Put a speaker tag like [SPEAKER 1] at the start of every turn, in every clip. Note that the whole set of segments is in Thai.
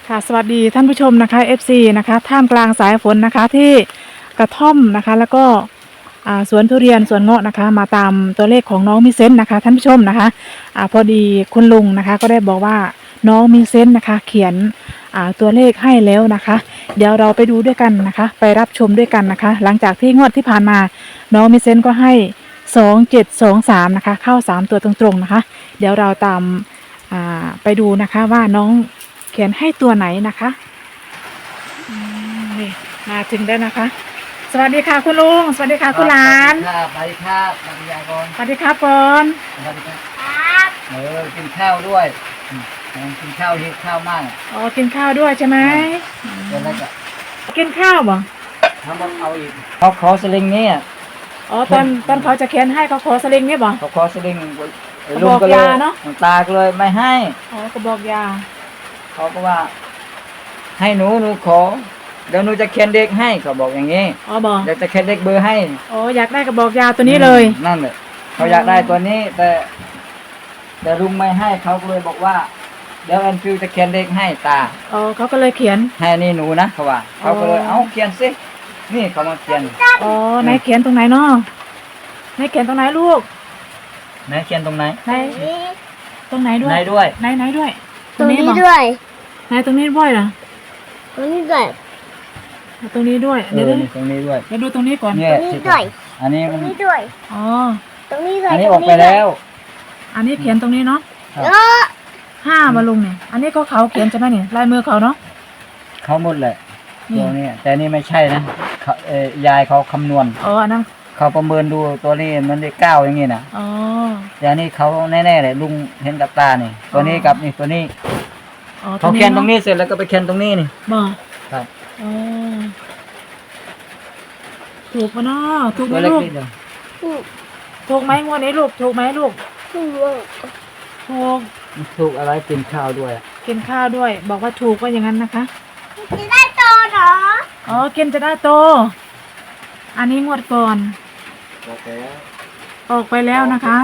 [SPEAKER 1] ค่ะสวัสดีท่านผู้ชมนะคะ FC นะคะท่ามกลางสายฝนนะคะที่กระท่อมนะคะแล้วก็สวนทุเรียนสวนเงาะนะคะมาตามตัวเลขของน้องมิเซนต์นะคะท่านผู้ชมนะคะพอดีคุณลุงนะคะก็ได้บอกว่าน้องมิเซนต์นะคะเขียนตัวเลขให้แล้วนะคะเดี๋ยวเราไปดูด้วยกันนะคะไปรับชมด้วยกันนะคะหลังจากที่งวดที่ผ่านมาน้องมิเซนต์ก็ให้2723นะคะเข้า3ตัวตรงๆนะคะเดี๋ยวเราตามไปดูนะคะว่าน้องเขียนให้ตัวไหนนะคะนี่มาถึงได้นะคะสวัสดีค่ะคุณลุงสวัสดีค่ะคุณหลาน
[SPEAKER 2] สวัสดีครับสวัสดีครับ
[SPEAKER 1] สวัสดีครับก่อน
[SPEAKER 2] สวัสดีครับกินข้าวด้วยกินข้าวหิวข้าวมาก
[SPEAKER 1] อ๋อกินข้าวด้วยใช่ไหม
[SPEAKER 2] เดี๋ยวเราจะ
[SPEAKER 1] กินข้าวบ่
[SPEAKER 2] ทำเอาอีกเขาขอสลิงนี่
[SPEAKER 1] อ๋อตอนเขาจะเขียนให้เขาขอสลิงนี่บ่
[SPEAKER 2] เขาขอสลิงลุงก็เลยตาก็เลยไม่ให้
[SPEAKER 1] อ๋อกระบอกยา
[SPEAKER 2] เขาก็ว่าให้หนูขอเดี๋ยวหนูจะเขียนเด็กให้เขาบอกอย่างนี้
[SPEAKER 1] อ๋อบอก
[SPEAKER 2] เดี๋ยวจะเขียนเด็กเบอร์ให้
[SPEAKER 1] อ๋ออยากได้กระบอกยาตัวนี้เลย
[SPEAKER 2] นั่นเลยเขาอยากได้ตัวนี้แต่ลุงไม่ให้เขาเลยบอกว่าเดี๋ยวแอนฟิวจะเขียนเด็กให้ตา
[SPEAKER 1] อ๋อเขาก็เลยเขียน
[SPEAKER 2] ให้นี่หนูนะเขาว่าเขาก็เลยเอาเขียนสินี่เขามาเขียน
[SPEAKER 1] อ๋อไหนเขียนตรงไหนเนาะไหนเขียนตรงไหนลูก
[SPEAKER 2] ไหนเขียนตรงไหน
[SPEAKER 1] ไหนตรงไหนด้วย
[SPEAKER 2] ไหนด้วย
[SPEAKER 1] ไหนด้วย
[SPEAKER 3] ตรงนี้ด้วย
[SPEAKER 1] ไหนตรงนี้ด้วยเหรอ
[SPEAKER 3] ตรงนี้ด้วย
[SPEAKER 1] ตรงนี้ด้วย
[SPEAKER 2] เดี๋ยวตรงนี้ด้วย
[SPEAKER 1] เดี๋ยวดูตรงนี้ก่อน
[SPEAKER 3] ตรงนี้ด้วย
[SPEAKER 2] อันนี้
[SPEAKER 3] ตรงนี้ด้วย
[SPEAKER 1] อ๋อ
[SPEAKER 3] ตรงนี้ด้วย
[SPEAKER 2] อันนี้ออกไปแล้ว
[SPEAKER 1] อันนี้เขียนตรงนี้เนาะ5มาลุงเนี่ยอันนี้ก็เขาเขียนใช่ไหมเนี่ยลายมือเขาเนาะ
[SPEAKER 2] เขาหมดแหละตัวนี้แต่นี่ไม่ใช่นะยายเขาคำนวณ
[SPEAKER 1] อ๋ออันนั้น
[SPEAKER 2] เขาประเมินดูตัวนี้มันได้9อย่างงี้นะ
[SPEAKER 1] อ๋อ
[SPEAKER 2] อย่างนี้เขาแน่ๆเลยลุงเห็นกับตานี่ตัวนี้กับนี่ตัวนี้เขาเขียนตรงนี้เสร็จแล้วก็ไปเขียนตรงนี้นี่
[SPEAKER 1] บ่
[SPEAKER 2] ครับ
[SPEAKER 1] อ๋อถูกปะเนาะถูกไหมลูกถูกไหมงวดนี้ลูกถูกไหมลูก
[SPEAKER 2] ถูกอะไรกินข้าวด้วย
[SPEAKER 1] กินข้าวด้วยบอกว่าถูกว่าอย่างนั้นนะคะ
[SPEAKER 3] จะได้โตเหรอ
[SPEAKER 1] อ๋อกินจะได้โตอันนี้งวดก่อนออกไปแล้วนะคะ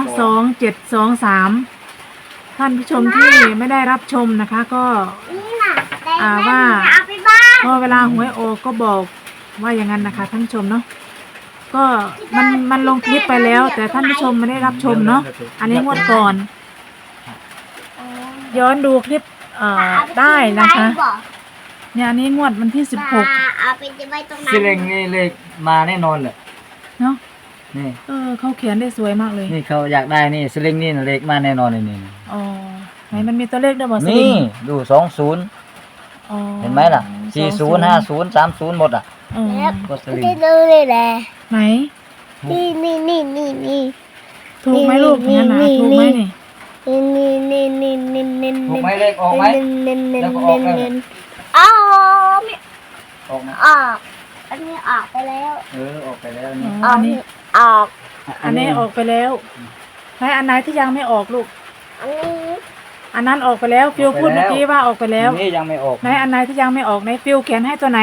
[SPEAKER 1] 2723ท่านผู้ชมที่ไม่ได้รับชมนะคะก็ว่าพอเวลาหวยออกก็บอกว่าอย่างนั้นนะคะท่านผู้ชมเนาะก็มันลงคลิปไปแล้วแต่ท่านผู้ชมไม่ได้รับชมเนาะอันนี้งวดก่อนย้อนดูคลิปได้นะคะเนี่ยอันนี้งวดวันที่16
[SPEAKER 2] สิเลงนี่เลขมาแน่นอนเลย
[SPEAKER 1] เนาะ
[SPEAKER 2] นี่
[SPEAKER 1] เขาเขียนได้สวยมากเลย
[SPEAKER 2] นี่เขาอยากได้นี่สลิงนี่เลขมาแน่นอนเลยนี่
[SPEAKER 1] อ๋อไหนมันมีตัวเลขด้วยบ่สลิง
[SPEAKER 2] นี่ดู20เห็นไหมล่ะ40 50 30หมดอ่ะ
[SPEAKER 3] ก็สลิงดูเลยแหละ
[SPEAKER 1] ไหน
[SPEAKER 3] นี่
[SPEAKER 1] ถูกไหมลูกเนี่ยนะถูกไหมนี่
[SPEAKER 2] ถูกไหมเลขออกไหมแล้วก็ออกแล้ว
[SPEAKER 3] อ๋อไม่ออกนะออกอันนี้ออกไปแล้ว
[SPEAKER 2] ออกไปแล้วนี่
[SPEAKER 1] อันนี้
[SPEAKER 3] ออก
[SPEAKER 1] อันนี้ออกไปแล้วไหนอันไหนที่ยังไม่ออกลูกอันนั้นออกไปแล้วฟิวพูดเมื่อกี้ว่าออกไปแล้ว
[SPEAKER 2] นี่ยังไม่ออก
[SPEAKER 1] ไหนอันไหนที่ยังไม่ออกไหนฟิวเขียนให้ตัวไหน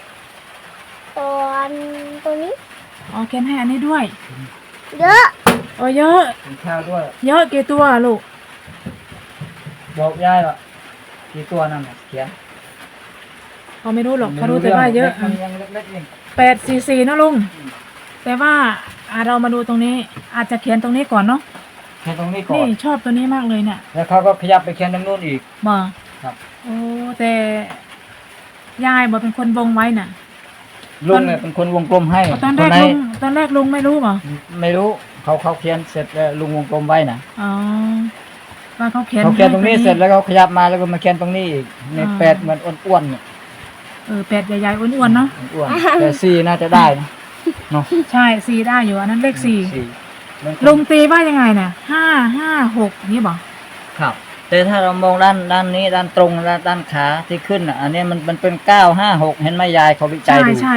[SPEAKER 3] ตัวนี้
[SPEAKER 1] อ๋อเขียนให้อันนี้ด้วย
[SPEAKER 3] เยอะ
[SPEAKER 1] เยอะ
[SPEAKER 2] กินข้าวด้วย
[SPEAKER 1] เยอะกี่ตัวลูก
[SPEAKER 2] บอกยายว่ากี่ตัวนั่นเขียน
[SPEAKER 1] เขาไม่รู้หรอกเขารู้แต่ว่าเยอะ844นะลุงแต่ว่าเรามาดูตรงนี้อาจจะเขียนตรงนี้ก่อนเนาะ
[SPEAKER 2] เขียนตรงนี้ก่อน
[SPEAKER 1] นี่ชอบตัวนี้มากเลยเนี่ย
[SPEAKER 2] แล้วเขาก็ขยับไปเขียนตรงนู้นอีก
[SPEAKER 1] มา
[SPEAKER 2] ครับ
[SPEAKER 1] โอ้แต่ยายบอกเป็นคนวงไว้น่ะ
[SPEAKER 2] ลุงเนี่ยเป็นคนวงกลมให้
[SPEAKER 1] ตอนแรกลุงไม่รู้หรอ
[SPEAKER 2] ไม่รู้เขาเขียนเสร็จแล้วลุงวงกลมไว้นะ
[SPEAKER 1] อ๋อว่าเขาเขียน
[SPEAKER 2] ตรงนี้เสร็จแล้วเขาขยับมาแล้วก็มาเขียนตรงนี้อีกใน8เหมือนอ้วนๆเนี่ย
[SPEAKER 1] 8ใหญ่ๆอ้วนๆเนาะ
[SPEAKER 2] อ้วนแต่4น่าจะได้นะเนาะ
[SPEAKER 1] ใช่4ได้อยู่อันนั้นเลข4ลุงตีว่ายังไงเนี่ย556นี่บอก
[SPEAKER 2] ครับแต่ถ้าเรามองด้านนี้ด้านตรงด้านขาที่ขึ้นอ่ะอันนี้มันเป็น956เห็นไหมยายเขาวิจัยดู
[SPEAKER 1] ใช่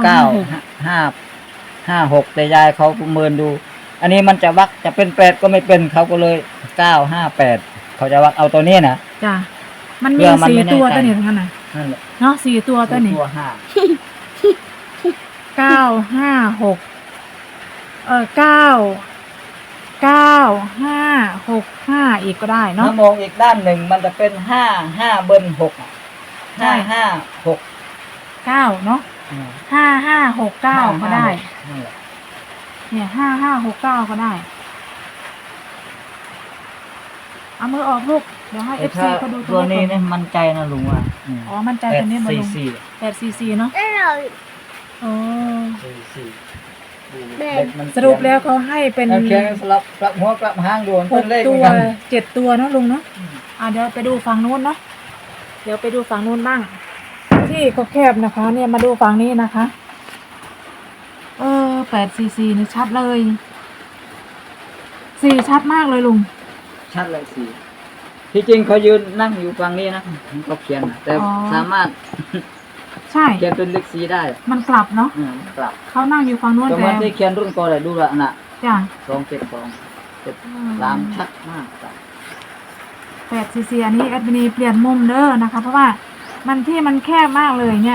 [SPEAKER 2] 956แต่ยายเขาประเมินดูอันนี้มันจะวักจะเป็น8ก็ไม่เป็นเขาก็เลย958เขาจะวักเอาตัวนี้นะ
[SPEAKER 1] จ้ะมันมี4ตัวตัวนี้ทั้งนั้นน่ะเนาะ4ตัวตัวนี้956 9 5 6 5อีกก็ได้เนาะ
[SPEAKER 2] ถ้ามองอีกด้านหนึ่งมันจะเป็น5 5 เบิ้ล6
[SPEAKER 1] ใช่
[SPEAKER 2] 556
[SPEAKER 1] 9เนาะ
[SPEAKER 2] อืม
[SPEAKER 1] 5569ก็ได้
[SPEAKER 2] นั่นแหละ
[SPEAKER 1] เนี่ย5569ก็ได้เอามือออกลูกเดี๋ยวให้
[SPEAKER 2] แต่
[SPEAKER 1] FC เขาดู
[SPEAKER 2] ตัวนี้
[SPEAKER 1] เลขก่
[SPEAKER 2] เนี่ย
[SPEAKER 1] อน
[SPEAKER 2] มันใจนะลุงว่า
[SPEAKER 1] อ๋อมันใจตัวนี้มาลง 844เนาะ
[SPEAKER 3] แล้วเรา
[SPEAKER 1] อ๋อ
[SPEAKER 2] 44
[SPEAKER 3] แบ่ง
[SPEAKER 2] เด็กมัน
[SPEAKER 1] สรุปแล้วเขาให้เป็น
[SPEAKER 2] เขียนสลับกลับหัวกลับหางดวงเป็นเลข
[SPEAKER 1] 6
[SPEAKER 2] เหมื
[SPEAKER 1] ตั
[SPEAKER 2] อน
[SPEAKER 1] ว
[SPEAKER 2] กัน
[SPEAKER 1] 7 ตัวเนาะลุงเนาะเดี๋ยวไปดูฝั่งนู้นเนาะเดี๋ยวไปดูฝั่งนู้นบ้าง ที่เขาแคบนะคะ เนี่ยมาดูฝั่งนี้นะคะ844นี่ชัดเลย4ชัดมากเลยลุง
[SPEAKER 2] ชัดเลยสี่ที่จริงเขายืนนั่งอยู่ฝั่งนี้นะเขาเขียนนะแต่
[SPEAKER 1] อ๋อ
[SPEAKER 2] สามารถ
[SPEAKER 1] ใช่
[SPEAKER 2] เขียนเป็นเลขสีได้
[SPEAKER 1] มันกลับเนาะ
[SPEAKER 2] กลับ
[SPEAKER 1] เขานั่งอยู่ฝั่งนู้น
[SPEAKER 2] ตรง
[SPEAKER 1] แต่
[SPEAKER 2] นั้นที่เขียนรุ่นก่อนเลยดูละน่ะ
[SPEAKER 1] จ้ะ
[SPEAKER 2] 272 ชัดมากครับ
[SPEAKER 1] 844อันนี้แอดมินีเปลี่ยนมุมเด้อนะคะ เพราะว่ามันที่มันแคบมากเลยเนี่ย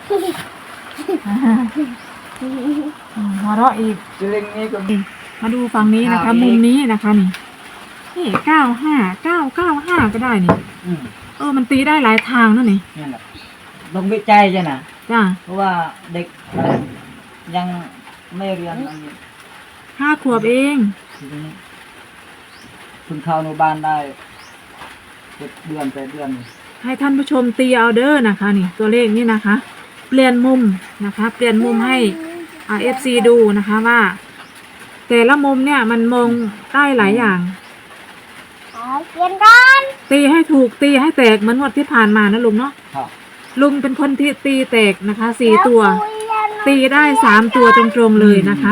[SPEAKER 1] หัวเราะอีก
[SPEAKER 2] จริงนี่ก็
[SPEAKER 1] มาดูฝั่งนี้นะคะ
[SPEAKER 2] เอาอีก
[SPEAKER 1] มุมนี้นะคะนี่95995ก็ได้นี่
[SPEAKER 2] อืม
[SPEAKER 1] มันตีได้หลายทางนั่นนี่
[SPEAKER 2] นั่นแหละต้องวิจัยใช่นะ
[SPEAKER 1] จ้ะ
[SPEAKER 2] เพราะว่าเด็กยังไม่เรียนอันนี้
[SPEAKER 1] 5 ขวบเอง
[SPEAKER 2] ทีนี้เพิ่งเข้าอนุบาลได้7 เดือน8 เดือน
[SPEAKER 1] ให้ท่านผู้ชมตีเอาเด้อนะคะ นี่ตัวเลขนี่นะคะ เปลี่ยนมุมนะคะ เปลี่ยนมุมให้FC ดูนะคะว่า แต่ละมุมเนี่ยมันมองได้หลายอย่าง
[SPEAKER 3] เขียนกัน
[SPEAKER 1] ตีให้ถูกตีให้แตกเหมือนงวดที่ผ่านมานะลุงเนาะ
[SPEAKER 2] ครับ
[SPEAKER 1] ลุงเป็นคนที่ตีแตกนะคะ4 ตัว ตีได้3 ตัวตรงๆเลยนะคะ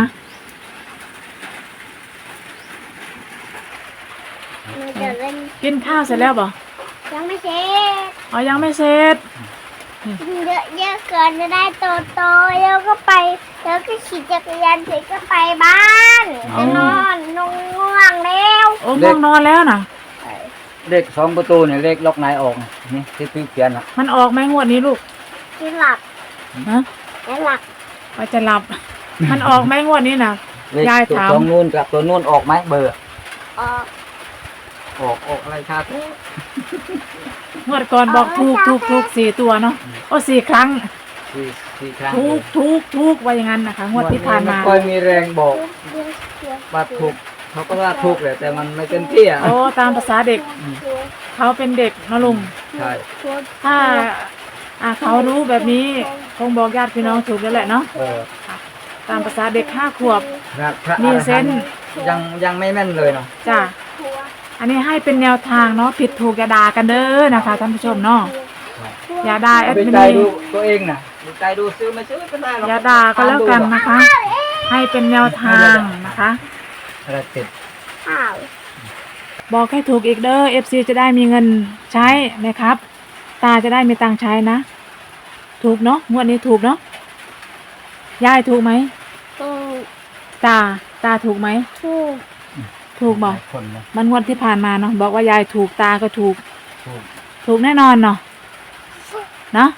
[SPEAKER 3] หนูจะเล่น
[SPEAKER 1] กินข้าวเสร็จแล้วบ่
[SPEAKER 3] ยังไม่เสร็จ
[SPEAKER 1] ยังไม่เสร็จ
[SPEAKER 3] เยอะเกินจะได้โตๆแล้วก็ไปแล้วก็ขี่จักรยานเสร็จก็ไปบ้านจะนอนง่วงแล้ว
[SPEAKER 1] โอ้ง่วงนอนแล้วนะ
[SPEAKER 2] เลข2 ประตูเนี่ยเลขล็อกไหนออกนี่ที่พี่เขียนอ่ะ
[SPEAKER 1] มันออกไหมงวดนี้ลูก
[SPEAKER 3] ที่หลับ
[SPEAKER 1] ฮะ
[SPEAKER 3] และหลับ
[SPEAKER 1] ว่าจะหลับ มันออกไหมงวดนี้นะ
[SPEAKER 2] เลข
[SPEAKER 1] ยาย
[SPEAKER 2] ตัว
[SPEAKER 1] ถาม
[SPEAKER 2] ตรงนู้นกับตัวนู้นออกไหมเบอร์
[SPEAKER 3] ออก
[SPEAKER 2] ออกอะไรครับ
[SPEAKER 1] งวดก่อนบอกถูก4 ตัวเนาะ4 ครั้ง
[SPEAKER 2] สี่ครั้ง
[SPEAKER 1] ถูกว่าอย่างนั้นนะคะงวดที่ผ่านมา
[SPEAKER 2] ไค่อยมีแรงบอก
[SPEAKER 3] เดี๋ยวเดี๋ยว
[SPEAKER 2] ว่าถูกเขาก็ว่าถูกแหละแต่มันไม่เต็มที่อ่ะ
[SPEAKER 1] ตามภาษาเด็กเขาเป็นเด็กนะลุง
[SPEAKER 2] ใช่
[SPEAKER 1] ถ้าเขารู้แบบนี้คงบอกญาติพี่น้องถูกแล้วแหละเนาะ ตามภาษาเด็ก5 ขวบ
[SPEAKER 2] พระ
[SPEAKER 1] มีเซนส์
[SPEAKER 2] ยังไม่แม่นเลยเนาะ
[SPEAKER 1] จ้ะอันนี้ให้เป็นแนวทางเนาะผิดถูกอย่าด่ากันเด้อนะคะท่านผู้ชมเนาะอย่าด่าแอด
[SPEAKER 2] ไป
[SPEAKER 1] มิ
[SPEAKER 2] ใจ
[SPEAKER 1] นี
[SPEAKER 2] ดูตัวเองนะไปใจดูซื้อไม่ซื้อก็ได้หรอก
[SPEAKER 1] อย่าด่าก็แล้วกันนะคะ ให้เป็นแนวทางนะคะ
[SPEAKER 2] อะไรติด
[SPEAKER 3] ข้าว
[SPEAKER 1] บอกให้ถูกอีกเด้อ FC จะได้มีเงินใช้นะครับ ตาจะได้มีตังค์ใช้นะ ถูกเนาะงวดนี้ถูกเนาะยายถูกไหม
[SPEAKER 3] ถูก
[SPEAKER 1] ตาถูกไหม
[SPEAKER 3] ถูก
[SPEAKER 1] ถูกบอก
[SPEAKER 2] คนนะ
[SPEAKER 1] มันงวดที่ผ่านมาเนาะบอกว่ายายถูกตาก็ถูก
[SPEAKER 2] ถูก
[SPEAKER 1] ถูกแน่นอนเนาะเนาะ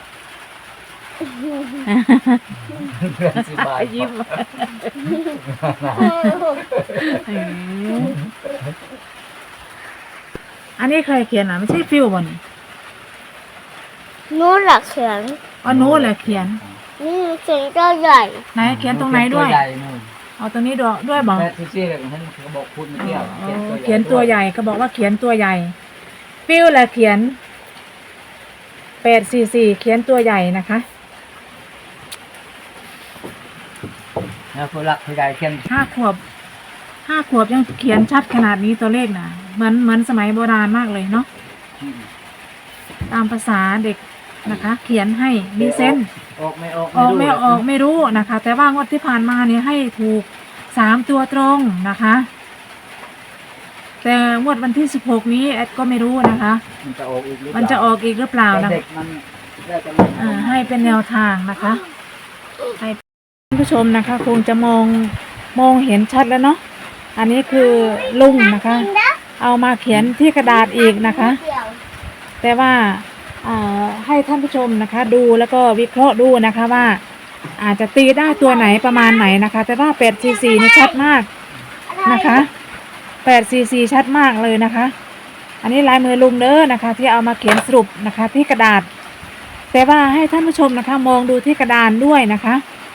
[SPEAKER 2] เพื่อนสิบาย
[SPEAKER 1] ยิ้มอันนี้ใครเขียนอ่ะไม่ใช่ฟิวบ่นี่
[SPEAKER 3] นู้นหลักเขียน
[SPEAKER 1] โน้ตแหละเขียน
[SPEAKER 3] นี่เขียนก็ใหญ่
[SPEAKER 1] ไหนเขียนตรงไหนด้วย
[SPEAKER 2] ตัวใหญ่นู่น
[SPEAKER 1] เอาตรงนี้ด้วยบอก
[SPEAKER 2] แต่ที่เลยท่านเขาบอกพูดไม่เที่ยว
[SPEAKER 1] เขียนตัวใหญ่ก็บอกว่าเขียนตัวใหญ่ ฟิวแหละเขียน844เขียนตัวใหญ่นะคะ
[SPEAKER 2] แล้วผู้หลักผู้ใหญ่เขียน
[SPEAKER 1] 5 ขวบยังเขียนชัดขนาดนี้ตัวเลขนะเหมือนสมัยโบราณมากเลยเนาะตามภาษาเด็กนะคะ เขียนให้มีเส้น
[SPEAKER 2] ออกไม่ออก
[SPEAKER 1] ออกไม่ออกไม่รู้นะคะ แต่ว่างวดที่ผ่านมาเนี่ยให้ถูก3 ตัวตรงนะคะ แต่งวดวันที่16นี้แอดก็ไม่รู้นะคะ
[SPEAKER 2] มันจะออกอีกหรือเปล่า
[SPEAKER 1] มันจะออกอีกหรือเปล่านะ
[SPEAKER 2] เด็กมันน่าจะไม่
[SPEAKER 1] ให้เป็นแนวทางนะคะให้ท่านผู้ชมนะคะ คงจะมองเห็นชัดแล้วเนาะอันนี้คือลุงนะคะ เอามาเขียนที่กระดาษอีกนะคะ
[SPEAKER 3] เดี่ยว
[SPEAKER 1] แต่ว่าให้ท่านผู้ชมนะคะ ดูแล้วก็วิเคราะห์ดูนะคะว่า อาจจะตีได้ตัวไหนประมาณไหนนะคะ แต่ว่า844นี่ชัดมากนะคะ844ชัดมากเลยนะคะ อันนี้ลายมือลุงเด้อนะคะ ที่เอามาเขียนสรุปนะคะ ที่กระดาษแต่ว่าให้ท่านผู้ชมนะคะมองดูที่กระดานด้วยนะคะ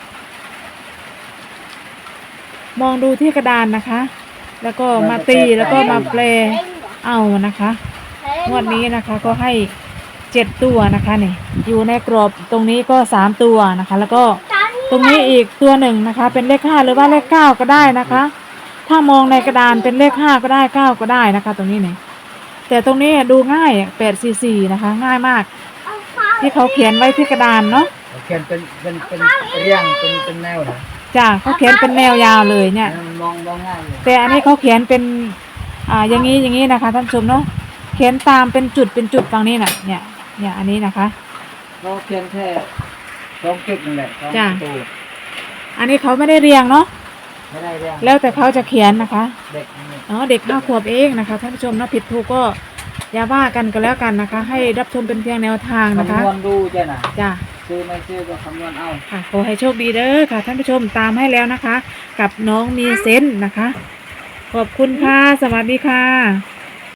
[SPEAKER 1] มองดูที่กระดานนะคะ แล้วก็มาตีแล้วก็มาแปลเอานะคะงวดนี้นะคะก็ให้7ตัวนะคะนี่อยู่ในกรอบตรงนี้ก็3ตัวนะคะ แล้วก็ตรงนี้อีกตัวหนึ่งนะคะ เป็นเลข5หรือว่าเลข9ก็ได้นะคะ ถ้ามองในกระดานเป็นเลข5ก็ได้9ก็ได้นะคะ ตรงนี้เนี่ยแต่ตรงนี้ดูง่าย844นะคะ ง่ายมาก ที่เขาเขียนไว้ที่กระดานเนาะ
[SPEAKER 2] เขียนเป็นเรียงเป็นแนวนะ
[SPEAKER 1] จ้ะเขาเขียนเป็นแนวยาวเลยเนี่ย
[SPEAKER 2] มองง่ายเลย
[SPEAKER 1] แต่อันนี้เขาเขียนเป็นอย่างนี้นะคะท่านผู้ชมเนาะเขียนตามเป็นจุดฝั่งนี้น่ะเนี่ยอันนี้นะคะ
[SPEAKER 2] เขาเขียนแค่2 จุดนั่นแหละ2
[SPEAKER 1] จ้ะ
[SPEAKER 2] ประตู
[SPEAKER 1] อันนี้เขาไม่ได้เรียงเนาะ
[SPEAKER 2] ไม่ได้เรียง
[SPEAKER 1] แล้วแต่เขาจะเขียนนะคะ
[SPEAKER 2] เด็กนี่
[SPEAKER 1] เด็ก5 ขวบเองนะคะท่านผู้ชมเนาะผิดถูกก็อย่าว่ากันก็แล้วกันนะคะ ให้รับชมเป็นเพียงแนวทางนะคะ
[SPEAKER 2] คำนวณดูจ้ะนะ
[SPEAKER 1] จ้ะ
[SPEAKER 2] ซื้อไม่ซื้อก็คำนวณเอา
[SPEAKER 1] ค่ะขอให้โชคดีเด้อค่ะท่านผู้ชมตามให้แล้วนะคะ กับน้องมีเซนส์นะคะ ขอบคุณค่ะสวัสดีค่ะ